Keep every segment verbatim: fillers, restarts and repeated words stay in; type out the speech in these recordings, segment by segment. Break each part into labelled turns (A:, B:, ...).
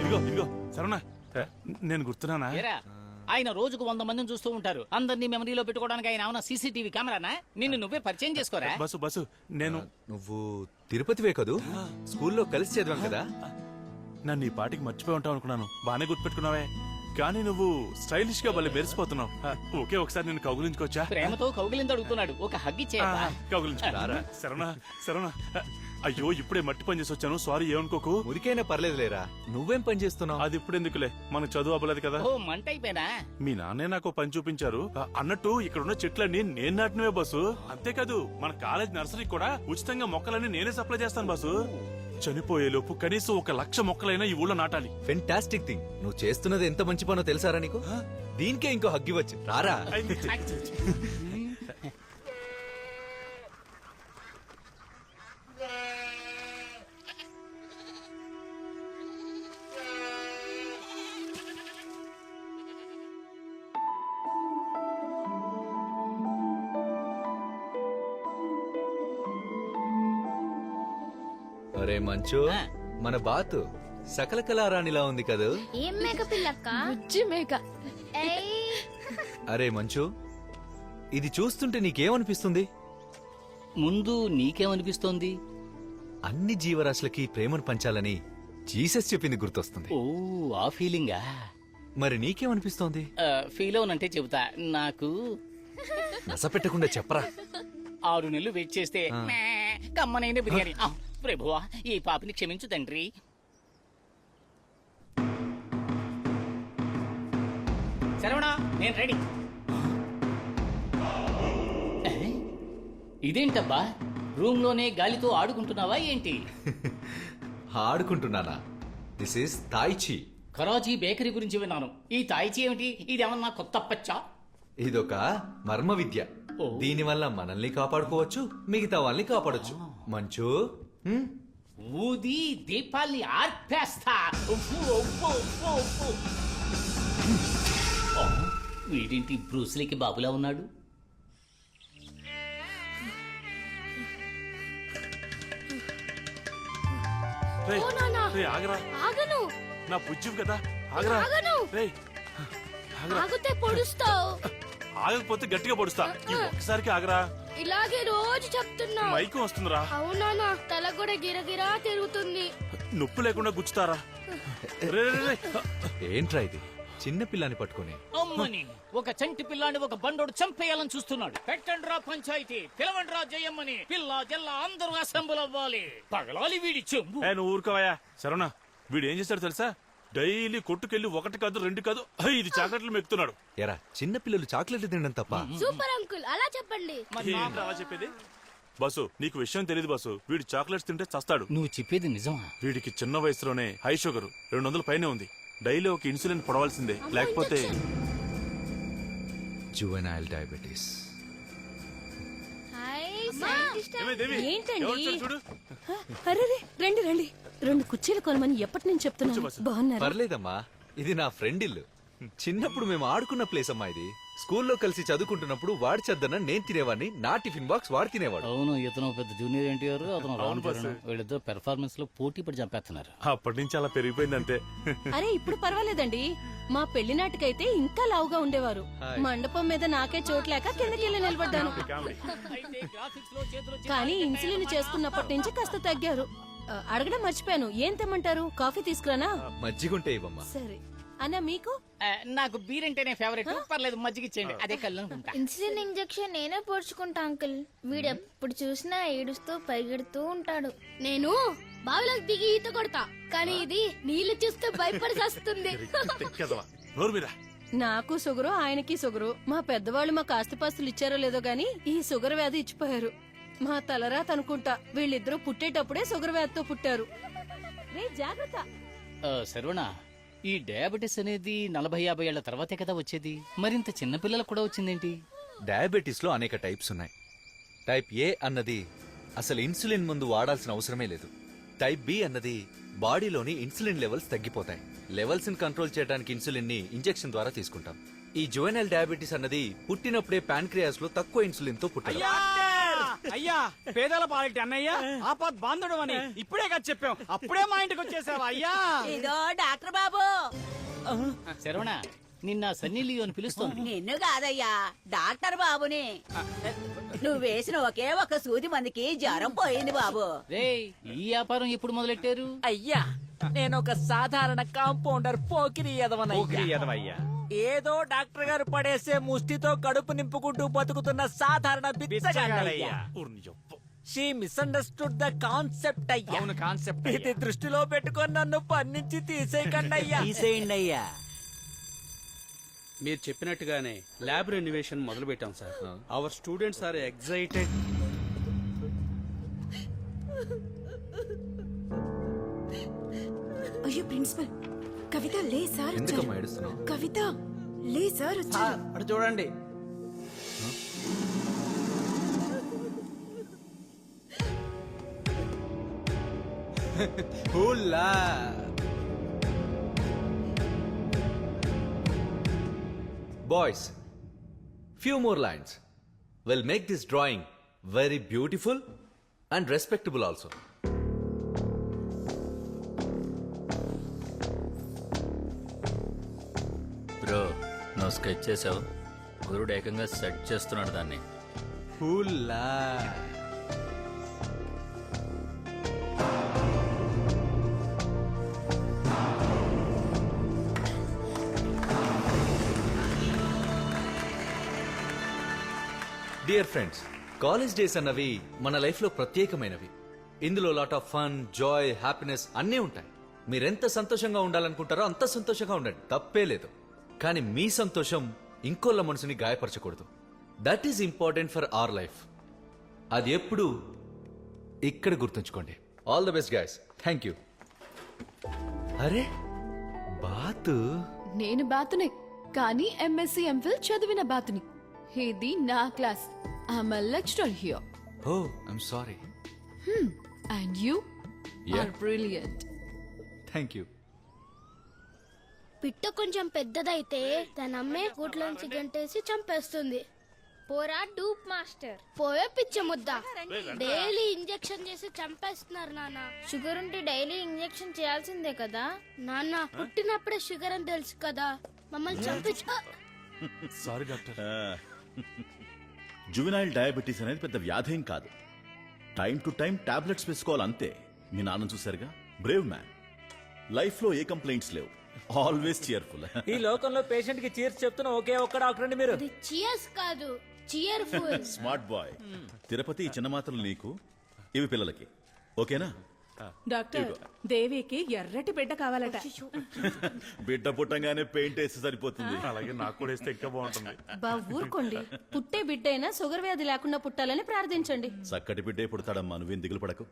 A: ఇదిగో ఇదిగో సరేనా నేను గుర్తున్నానా?
B: ఆయన రోజుకు వంద మందిని చూస్తూ ఉంటారు. అందరినీ మెమరీలో పెట్టుకోవడానికి ఆయన ఏమన్నా సీసీటీవీ కెమెరానా? నిన్ను నువ్వే పరిచయం చేసుకోరా?
A: బస్సు బస్సు నేను
C: నువ్వు తిరుపతివే కదూ? స్కూల్లో కలిసి చదివాం కదా.
A: నన్ను ఈ పాటికి మర్చిపోయి ఉంటావు అనుకున్నాను. బానే గుర్తుపెట్టుకున్నావే. కానీ నువ్వు స్టైలిష్ గా భలే మెరిసిపోతున్నావు. ఓకే ఒకసారి నేను కౌగులించుకోవచ్చా?
B: ప్రేమతో కౌగిలింది అడుగుతున్నాడు. ఒక హగ్ ఇచ్చేయరా?
A: కౌగులించుకోరా? సరేనా సరేనా. అయ్యో ఇప్పుడే మట్టి పని చేసి వచ్చాను, సారీ ఏమనుకోకు.
C: మురికైనా పర్లేదు లేరా, నువ్వేం పని చేస్తున్నావు?
A: అది ఇప్పుడు ఎందుకులే, మనకు చదువు అవ్వలేదు కదా.
B: ఓ మంట అయిపోయినా?
A: మీ నాన్నే నాకు పని చూపించారు. అన్నట్టు ఇక్కడ ఉన్న చెట్లన్నీ నేను నాటినవే బస్సు. అంతేకాదు మన కాలేజ్ నర్సరీ కూడా ఉచితంగా మొక్కలన్నీ నేనే సప్లై చేస్తాను బస్సు. చనిపోయే లోపు కనీసం ఒక లక్ష మొక్కలైనా ఈ ఊళ్ళో నాటాలి.
C: Fantastic thing. నువ్వు చేస్తున్నది ఎంత మంచి పనో తెలుసారా నీకు? దీనికే ఇంకో హగ్గి వచ్చి రారా. అరే మంచు, మన బాతు సకల కళారాణిలా ఉంది కదా.
D: ఏం మేక పిల్లక్క?
E: బుజ్జి మేక.
C: అరే మంచు, ఇది చూస్తుంటే నీకేమనిపిస్తుంది?
B: ముందు నీకేమనిపిస్తోంది?
C: అన్ని జీవరాశులకి ప్రేమను పంచాలని జీసస్ చెప్పింది గుర్తొస్తుంది.
B: ఓ ఆ ఫీలింగా?
C: మరి నీకేమనిపిస్తోంది?
B: ఫీల్ అవునంటే చెబుతా. నాకు
C: నస పెట్టకుండా చెప్పరా.
B: ఆరు నెలలు వెయిట్ చేస్తే కమ్మనైన బిర్యానీ. ప్రభువా ఈ పాపిని క్షమించు తండ్రి. శరవణా నేను రెడీ. ఇదేంటబ్బా, రూమ్ లోనే గాలితో ఆడుకుంటున్నావా ఏంటి?
C: ఆడుకుంటున్నానా? This is tai chi.
B: Karachi bakery గురించి విన్నాను. ఈ తాయిచి ఏమిటి? ఇదేమన్నా కొత్త పచ్చా?
C: ఇదొక మర్మ విద్య. దీని వల్ల మనల్ని కాపాడుకోవచ్చు, మిగతా వాళ్ళని కాపాడొచ్చు. మంచు
B: ఊది దీపాల్ని ఆర్పేస్తా. వీడింటి బ్రూస్లీకి బాబులా ఉన్నాడు.
A: ఆగను నా పుజ్జు కదా. ఆగరా.
E: ఆగితే పొడుస్తావు.
A: ఆగకపోతే గట్టిగా పొడుస్తా. ఒక్కసారికి ఆగరా.
E: ఇలాగే రోజు చెప్తున్నా.
A: మైకం వస్తుందిరా.
E: అవునా, తల కూడా గిరగిరా తిరుగుతుంది.
A: నొప్పి లేకుండా గుచ్చుతారా?
C: ఏంట్రా ఇది? చిన్న పిల్లాన్ని పట్టుకుని
B: అమ్మని ఒక చంటి పిల్లాన్ని ఒక బండోడు చంపేయాలని చూస్తున్నాడు. పెట్టండి రా పంచాయతీ, పిలవండి రా జయమ్మని. పిల్ల జల్ల అందరూ అసెంబుల్ అవ్వాలి. పగలాలి వీడి చెంబు.
A: నువ్వు ఊరుకోవయా. సరేనా, వీడు ఏం చేస్తాడు తెలుసా? డైలీ కొట్టుకెళ్లి ఒకటి కాదు రెండు కాదు ఐదు చాక్లెట్లు మెక్కుతున్నాడు.
C: ఎరా, చిన్న పిల్లలు చాక్లెట్లు తినడం తప్ప?
E: సూపర్ అంకుల్, అలా చెప్పండి.
A: అలా చెప్పేది బస్సు. నీకు విషయం తెలియదు బస్సు. వీడు చాక్లెట్స్ తింటే చస్తాడు.
B: నువ్వు చెప్పేది నిజమా?
A: వీడికి చిన్న వయసులోనే హై షుగర్ రెండు వందల పైనే ఉంది. డైలీ ఒక ఇన్సులిన్ పొడవాల్సిందే, లేకపోతే
C: జువెనైల్ డయాబెటీస్.
E: అరే రండి రండి, రెండు కుర్చీలు కొనమని ఎప్పటి నుంచి చెప్తున్నాను. బాగున్నారు?
C: పర్లేదమ్మా, ఇది నా ఫ్రెండ్ ఇల్లు. చిన్నప్పుడు మేము ఆడుకున్న ప్లేస్ అమ్మా ఇది. స్కూల్లో కలిసి చదువుకుంటున్నప్పుడు వాడి చెద్దన నేను తినేవాడిని, నా టిఫిన్ బాక్స్ వాడు తినేవాడు.
B: అవును, ఇతను పెద్ద జూనియర్ ఎన్టీఆర్, అతను రాను చరణ్. వీళ్ళిద్దరు పెర్ఫార్మెన్స్ లో పోటీ పడి చంపేస్తున్నారు.
A: అప్పటి నుంచి అలా పెరిగిపోయింది అంతే.
E: అరే ఇప్పుడు పర్వాలేదండి. మా పెళ్లి నాటికైతే ఇంకా లావుగా ఉండేవారు. మండపం మీద నాకే చోట్లేక కిందకి వెళ్ళి నిలబడ్డాను. కానీ ఇన్సులిన్ చేసుకున్నప్పటి నుంచి కాస్త తగ్గారు. అడగడం మర్చిపోయాను, ఏం తెమ్మంటారు? కాఫీ తీసుకురానా?
C: మజ్జిగుంటే ఇవ్వమ్మా.
E: సరే అన్న, మీకు?
B: నాకు బీర్ అంటేనే ఫేవరెట్. పర్లేదు మజ్జిగ ఇచ్చేయండి, అదే కళ్ళు అనుకుంటా.
D: ఇన్సులిన్ ఇంజెక్షన్ నేనే పోడ్చుకుంటా అంకుల్. వీడెప్పుడు చూసినా ఏడుస్తూ పరిగెడుతూ ఉంటాడు.
E: నేను బావిలోకి దిగి ఈత కొడతా, కానీ ఇది నీళ్లు చూస్తే భయపడి వస్తుంది. నాకు షుగరు, ఆయనకి షుగరు. మా పెద్దవాళ్ళు మాకు ఆస్తిపాస్తులు ఇచ్చారో లేదో గాని ఈ షుగర్ వ్యాధి ఇచ్చిపోయారు. మా తలరాత అనుకుంటా. వీళ్ళిద్దరూ పుట్టేటప్పుడే షుగర్ వ్యాధితో పుట్టారు. రే జాగ్రత్త.
B: సర్వనా, ఈ డయాబెటీస్ అనేది నలభై యాభై ఏళ్ల తర్వాతే కదా వచ్చేది. మరింత చిన్నపిల్లలకు కూడా వచ్చిందేంటి?
C: డయాబెటీస్ లో అనేక టైప్స్ ఉన్నాయి. టైప్ ఏ అన్నది అసలు ఇన్సులిన్ ముందు వాడాల్సిన అవసరమే లేదు. టైప్ బి అన్నది బాడీలోని ఇన్సులిన్ లెవెల్స్ తగ్గిపోతాయి. లెవెల్స్ ని కంట్రోల్ చేయడానికి ఇన్సులిన్ ని ఇంజెక్షన్ ద్వారా తీసుకుంటాం. ఈ జువెనైల్ డయాబెటీస్ అన్నది పుట్టినప్పుడే ప్యాన్క్రియాస్ లో తక్కువ ఇన్సులిన్ తో పుట్టారు.
F: అయ్యా, పేదల పాలిటి అన్నయ్య ఆపద్ బాంధుడు అని ఇప్పుడే కదా చెప్పాం. అప్పుడే మా ఇంటికి వచ్చేసావా అయ్యా?
G: ఇదో డాక్టర్ బాబు
B: శరవణ నిన్న సన్నీ లియోని పిలుస్తోంది.
G: నిన్ను కాదయ్యా, డాక్టర్ బాబుని. నువ్వు వేసిన ఒకే ఒక సూది మందికి జ్వరం పోయింది బాబు.
B: రేయ్ ఈ వ్యాపారం ఎప్పుడు మొదలెట్టారు?
H: అయ్యా నేను ఒక సాధారణ కాంపౌండర్ పోకిరి ఎదవనయ్యా. ఏదో డాక్టర్ గారు పడేసే ముష్టితో కడుపు నింపుకుంటూ బతుకుతున్న సాధారణ బిచ్చగాడయ్యా. షీ మిస్అండర్స్టూడ్ ద కాన్సెప్ట్ అయ్యా.
F: అవును కాన్సెప్ట్
H: ఇది దృష్టిలో పెట్టుకొని నన్ను పన్నించి తీసేయకండి అయ్యా.
F: తీసేయండి అయ్యా. మీరు చెప్పినట్టుగానే ల్యాబ్ రెన్యువేషన్ మొదలు పెట్టాం sir. Our students are excited.
I: అయ్యో ప్రిన్సిపల్, కవిత లే సార్ వచ్చారు.
C: ఎందుకమ్మా ఏడుస్తున్నావు?
I: కవిత లే సార్ వచ్చారు.
F: అటు చూడండి.
C: Boys, few more lines will make this drawing very beautiful and respectable also.
J: Bro నువ్వు స్కెచ్ చేసావు, గురుడు ఏకంగా సెట్ చేస్తున్నాడు దాన్ని.
C: Hula. Dear friends, college days అన్నవి మన లైఫ్ లో ప్రత్యేకమైనవి. ఇందులో lot of fun, joy, happiness అన్నీ ఉంటాయి. మీరెంత సంతోషంగా ఉండాలనుకుంటారో అంత సంతోషంగా ఉండండి, తప్పే లేదు. కానీ మీ సంతోషం ఇంకోళ్ళ మనసుని గాయపరచకూడదు. That is important for our life. అది ఎప్పుడు ఇక్కడ గుర్తుంచుకోండి. All the best guys. Thank you. అరే బాతు.
I: నేను బాతునే, కానీ ఎంఎస్సి ఎంఫిల్ చదివిన బాతుని. ఇది నా class. I'm a lecturer here.
C: Oh I'm sorry.
I: And you
C: Yeah.
I: Are brilliant.
C: Thank you.
D: పిట్ట కొంచెం పెద్దదైతే తన అమ్మే గూట్లోంచి గంటేసి చంపేస్తుంది. పోరా డూప్ మాస్టర్, పోయే పిచ్చ ముద్ద. డైలీ ఇంజెక్షన్ చేసి చంపేస్తున్నారు నాన్న. షుగర్ ఉంటే డైలీ ఇంజెక్షన్ చేయాల్సిందే కదా నాన్న. పుట్టినప్పుడే షుగర్ అని తెలుసు కదా, మమ్మల్ని చంపించ.
A: Sorry doctor.
K: జువెనైల్ డయాబెటీస్ అనేది పెద్ద వ్యాధేం కాదు. టైం టు టైం టాబ్లెట్స్ వేసుకోవాలంతే. మీ నాన్న చూసారుగా, బ్రేవ్ మ్యాన్. లైఫ్ లో ఏ కంప్లైంట్స్ లేవు, ఆల్వేస్ చియర్ఫుల్.
H: ఈ లోకంలో పేషెంట్ కి చీర్స్ చెప్తున్న ఒకే ఒక్క డాక్టర్ అండి మీరు.
D: ఇది చియర్స్ కాదు, చియర్ఫుల్.
K: Smart boy. తిరుపతి ఈ చిన్న మాత్రలు నీకు, ఇవి పిల్లలకి. ఓకేనా?
I: డాక్టర్, దేవికి ఎర్రటి బిడ్డ కావాలట.
K: బిడ్డ పుట్టంగానే పెయింట్ వేస్తే సరిపోతుంది.
A: అలాగే నాకు కూడా వేస్తే ఇంకా బాగుంటుంది.
E: బా ఊరుకోండి. పుట్టే బిడ్డైనా షుగర్ వ్యాధి లేకుండా పుట్టాలని ప్రార్థించండి.
K: చక్కటి బిడ్డే పుడతాడమ్మా, నువ్వేం దిగులు పడకు.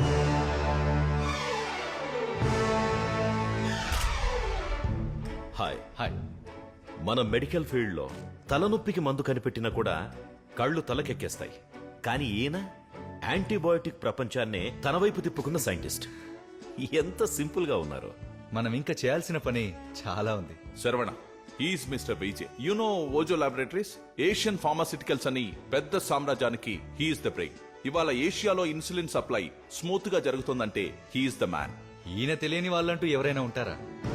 K: Hi
C: hi.
L: మన మెడికల్ ఫీల్డ్లో తలనొప్పికి మందు కనిపెట్టినా కూడా కళ్ళు తలకెక్కేస్తాయి. కానీ ఈయన యాంటీబయోటిక్ ప్రపంచాన్నే తన వైపు తిప్పుకున్న సైంటిస్ట్. ఎంత సింపుల్ గా ఉన్నారు.
C: మనం ఇంకా చేయాల్సిన పని చాలా ఉంది.
M: Saravana, is mister BJ. You know Ojo laboratories, Asian pharmaceuticals అని పెద్ద సామ్రాజ్యానికి హీఈస్ ద బ్రెయిన్. ఇవాళ ఏషియాలో ఇన్సులిన్ సప్లై స్మూత్ గా జరుగుతుందంటే హీఈస్ ద మ్యాన్.
C: ఈయన తెలియని వాళ్ళంటూ ఎవరైనా ఉంటారా?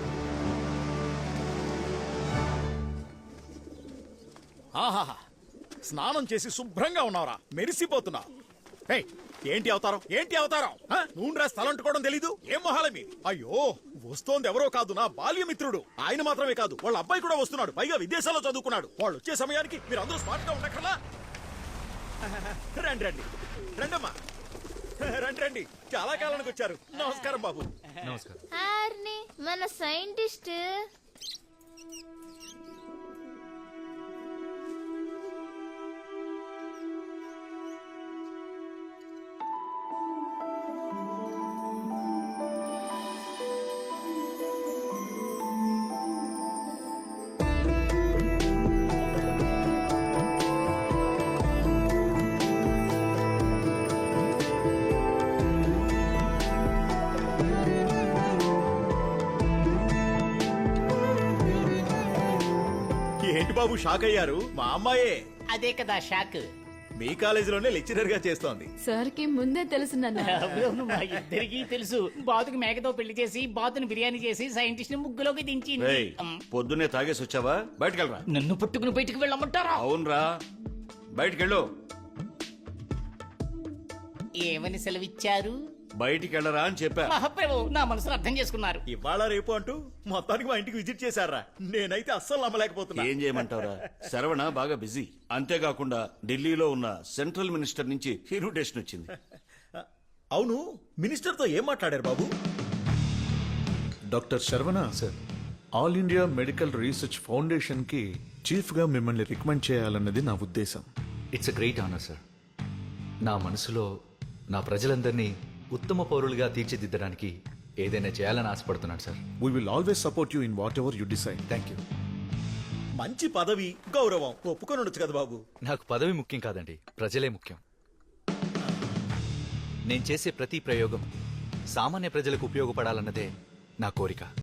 K: ఆహాహా, స్నానం చేసి శుభ్రంగా ఉన్నావురా, మెరిసిపోతున్నా. ఏయ్, ఏంటి అవతారం, ఏంటి అవతారం? ఆ? నూనె స్థలం అంటుకోవడం తెలీదు? ఏం మొహాలమి? అయ్యో, వస్తోంది ఎవరో కాదు, నా బాల్యమిత్రుడు. ఆయన మాత్రమే కాదు, వాళ్ళ అబ్బాయి కూడా వస్తున్నాడు. పైగా విదేశాల్లో చదువుకున్నాడు. వాళ్ళు వచ్చే సమయానికి మీరు అందరూ స్మార్ట్ గా ఉండకల్లా. రండి రండి రండమ్మా, రండి రండి. చాలా కాలానికి వచ్చారు. నమస్కారం బాబు.
C: నమస్కారం.
D: హార్ని, మన సైంటిస్ట్.
K: ఏంటి బాబు షాక్ అయ్యారు? మా అమ్మాయే.
B: అదే కదా షాక్.
K: మీ కాలేజీలోనే లెక్చరర్ గా చేస్తోంది.
I: సార్ కి ముందే తెలుసు నాన్న.
B: అవును, మా ఇద్దరికి తెలుసు. బాతుకి మేకతో పెళ్లి చేసి బాతుని బిర్యానీ చేసి సైంటిస్ట్ ని ముగ్గులోకి దించింది. అమ్,
N: పొద్దున్నే తాగేసి వచ్చావా? బయటకెళ్ళరా.
B: నన్ను పట్టుకుని బయటికి వెళ్ళమంటారా?
N: అవునరా, బయటకెళ్ళు.
B: ఏమని సెలవిచ్చారు?
N: బయటికెళ్ళరా అని చెప్పా.
B: మహాప్రభు నా మనసును అర్థం చేసుకున్నారు.
K: ఇవాళ రేపు అంటూ మొత్తానికి మా ఇంటికి విజిట్ చేశారా? నేనైతే అస్సలు నమ్మలేకపోతున్నా.
N: ఏం చేయమంటావురా, శరవణ బాగా బిజీ. అంతేకాకుండా ఢిల్లీలో ఉన్న సెంట్రల్ మినిస్టర్ నుంచి ఇన్విటేషన్ వచ్చింది.
K: అవును, మినిస్టర్ తో ఏం మాట్లాడారు బాబు?
O: Doctor Sarvana sir, all India medical research foundation కి చీఫ్ గా మిమ్మల్ని రికమెండ్ చేయాలన్నది నా ఉద్దేశం.
C: It's a great honour sir. నా మనసులో నా ప్రజలందరినీ ఉత్తమ పౌరులుగా తీర్చిదిద్దడానికి ఏదైనా చేయాలని ఆశపడుతున్నాను సార్.
O: We will always support you in whatever you decide.
C: Thank you.
K: మంచి పదవి, గౌరవం ఒప్పుకొని ఉండొచ్చు కదా బాబు.
C: నాకు పదవి ముఖ్యం కాదండి, ప్రజలే ముఖ్యం. నేను చేసే ప్రతి ప్రయోగం సామాన్య ప్రజలకు ఉపయోగపడాలన్నదే నా కోరిక.